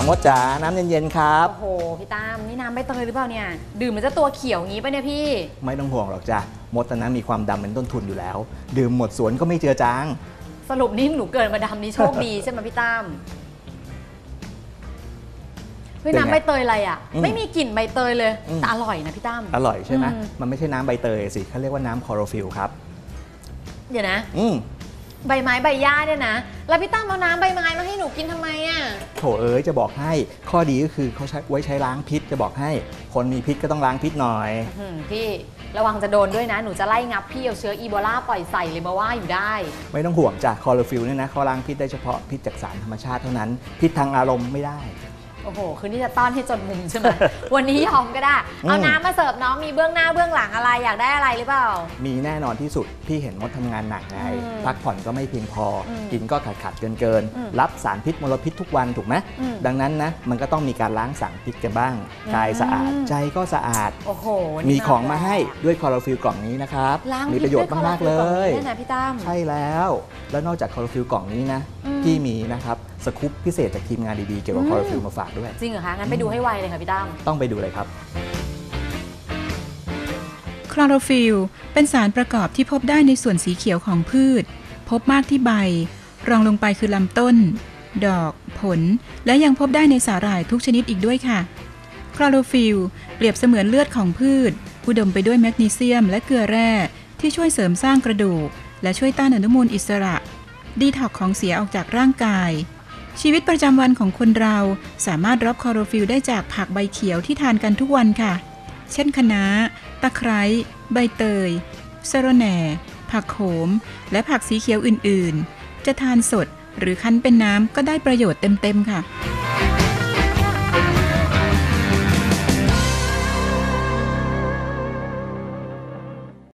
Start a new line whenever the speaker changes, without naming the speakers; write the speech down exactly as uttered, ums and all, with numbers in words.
มดจ๋าน้ำเย็นๆครับ
โอ้โหพี่ตั้มนี่น้ำใบเตยหรือเปล่าเนี่ยดื่มมันจะตัวเขียวงี้ปะเนี่ยพี่
ไม่ต้องห่วงหรอกจ้ะมดตอนนั้นมีความดำเป็นต้นทุนอยู่แล้วดื่มหมดสวนก็ไม่เจือจาง
สรุปนี่หนูเกิดมาดำนี่โชคดีใช่ไหมพี่ตั้มเฮ้ยน้ำใบเตยอะไรอ่ะไม่มีกลิ่นใบเตยเลยแต่อร่อยนะพี่ตั้ม
อร่อยใช่ไหมมันไม่ใช่น้ำใบเตยสิเขาเรียกว่าน้ำคลอโรฟิลครับ
เดี๋ยวนะใบไม้ใบหญ้าเนี่ยนะแล้วพี่ตั้มเอาน้ำใบไม้มาให้หนูกินทำไมอ่ะ
โถเอ๋ยจะบอกให้ข้อดีก็คือเขาใช้ไว้ใช้ล้างพิษจะบอกให้คนมีพิษก็ต้องล้างพิษหน่อย
พี่ระวังจะโดนด้วยนะหนูจะไล่งับพี่เอาเชื้ออีโบลาปล่อยใส่เลยมาว่าอยู่ได้
ไม่ต้องห่วงจ้ะคลอโรฟิลเนี่ยนะเขาล้างพิษได้เฉพาะพิษจากสารธรรมชาติเท่านั้นพิษทางอารมณ์ไม่ได้
โอ้โหคืนนี้จะต้อนให้จนมุมใช่ไหม วันนี้ยอมก็ได้เอาน้ำมาเสิร์ฟน้องมีเบื้องหน้าเบื้องหลังอะไรอยากได้อะไรหรือเปล่า
มีแน่นอนที่สุดพี่เห็นมดทำงานหนักไงพักผ่อนก็ไม่เพียงพอกินก็ขาดขาดเกินเกินรับสารพิษมลพิษทุกวันถูกไหมดังนั้นนะมันก็ต้องมีการล้างสารพิษกันบ้างกายสะอาดใจก็สะอาด
โอ้โห
มีของมาให้ด้วยคลอโรฟิลกล่องนี้นะครับมีประโยชน์มากๆเลยใช่แล้วแล้วนอกจากคลอโรฟิลกล่องนี้นะพี่มีนะครับสกู๊ปพิเศษจากทีมงานดีๆเกี่ยวกับคลอโรฟิลมาฝากด้วย
จริงเหรอคะงั้นไปดูให้ไวเลยค่ะพี่ตั้ม
ต้องไปดูเลยครับ
คลอโรฟิลเป็นสารประกอบที่พบได้ในส่วนสีเขียวของพืชพบมากที่ใบรองลงไปคือลำต้นดอกผลและยังพบได้ในสาหร่ายทุกชนิดอีกด้วยค่ะคลอโรฟิลเปรียบเสมือนเลือดของพืชอุดมไปด้วยแมกนีเซียมและเกลือแร่ที่ช่วยเสริมสร้างกระดูกและช่วยต้านอนุมูลอิสระดีท็อกของเสียออกจากร่างกายชีวิตประจำวันของคนเราสามารถรับคลอโรฟิลได้จากผักใบเขียวที่ทานกันทุกวันค่ะเช่นคะน้าตะไคร้ใบเตยสะระแหน่ผักโขมและผักสีเขียวอื่นๆจะทานสดหรือคั้นเป็นน้ำก็ได้ประโยชน์เต็มๆค่ะ